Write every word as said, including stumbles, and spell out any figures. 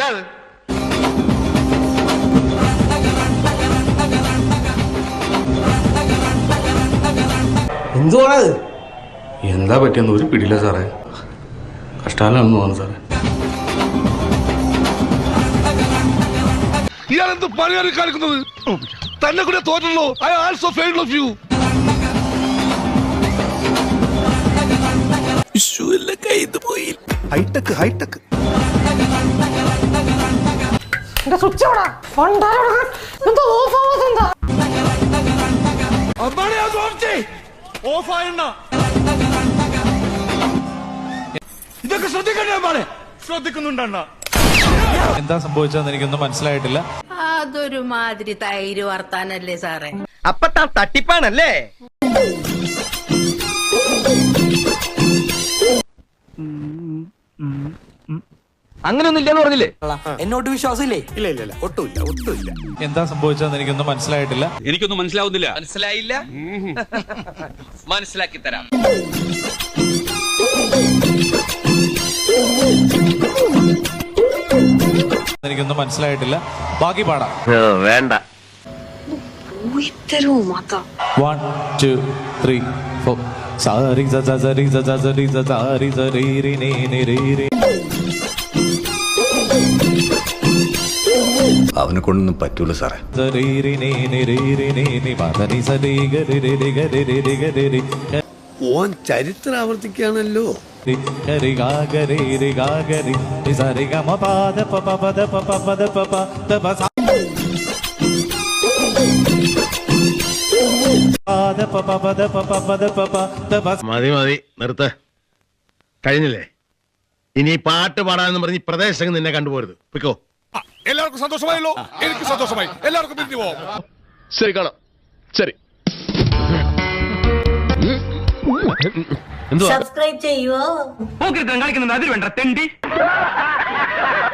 എന്തുവാണത്? എന്തുവാണത്? എന്താ പറ്റിയെന്ന് ഒരു പിടിയില്ല സാറേ. കഷ്ടാലാണെന്ന് തോന്നുന്നു സാറേ. ഇയാളെന്ത് പണിയാണ് കാണിക്കുന്നത്? തന്നെ കൂടെ തോറ്റല്ലോ. I also failed of you. High tech high tech ഇതൊക്കെ ശ്രദ്ധിക്കണ്ടേ? ശ്രദ്ധിക്കുന്നുണ്ടണ്ണ. എന്താ സംഭവിച്ചതെന്ന് എനിക്കൊന്നും മനസ്സിലായിട്ടില്ല. അതൊരു മാതിരി തൈര് വർത്താനല്ലേ സാറേ? അപ്പൊ താൻ തട്ടിപ്പാണല്ലേ? അങ്ങനെയൊന്നും ഇല്ലെന്ന് പറഞ്ഞില്ലേ? എന്നോട്ട് വിശ്വാസമില്ലേ? ഇല്ല ഇല്ല ഇല്ല ഒട്ടുമില്ല ഒട്ടുമില്ല. എന്താ സംഭവിച്ചതെന്ന് എനിക്കൊന്നും മനസ്സിലായിട്ടില്ല. എനിക്കൊന്നും മനസ്സിലാവുന്നില്ല. മനസ്സിലായില്ല? മനസ്സിലാക്കി തരാം. എനിക്കൊന്നും മനസ്സിലായിട്ടില്ല. ബാക്കി പാടാം. വേണ്ട. One two three four. സാരി സരി സരി സാരി സരി രി നി രി രി. അവനെ കൊണ്ടൊന്നും പറ്റൂല സാറേ. സരി രി നി നി രി രി നി നി മദനി സരി ഗരി രി രി ഗരി രി രി ഗരി രി. ഓൻ ചരിത്രം ആവർത്തിക്കുകയാണല്ലോ. ഗരി ഗാ ഗരി രി ഗാ ഗരി സരി ഗ മ പ ദ പ പ പ ദ പ പ പ ദ പ പ ദ പ സ ദ പ പ പ ദ പ പ പ ദ പ പ ദ പ. മതി മതി നിർത്ത്. കഴിഞ്ഞില്ലേ? ഇനി പാട്ട് പാടാന്ന് പറഞ്ഞ് പ്രദേശം നിന്നെ കണ്ടുപോരുത്. പിക്കോ. എല്ലാവർക്കും സന്തോഷമായല്ലോ. എനിക്ക് സന്തോഷമായി. എല്ലാവർക്കും പിരിഞ്ഞു പോവാം. ശരി കാണാം. ശരി. സബ്സ്ക്രൈബ് ചെയ്യുവോ? കളിക്കുന്നുണ്ട്. അതിൽ വേണ്ട തെണ്ടി.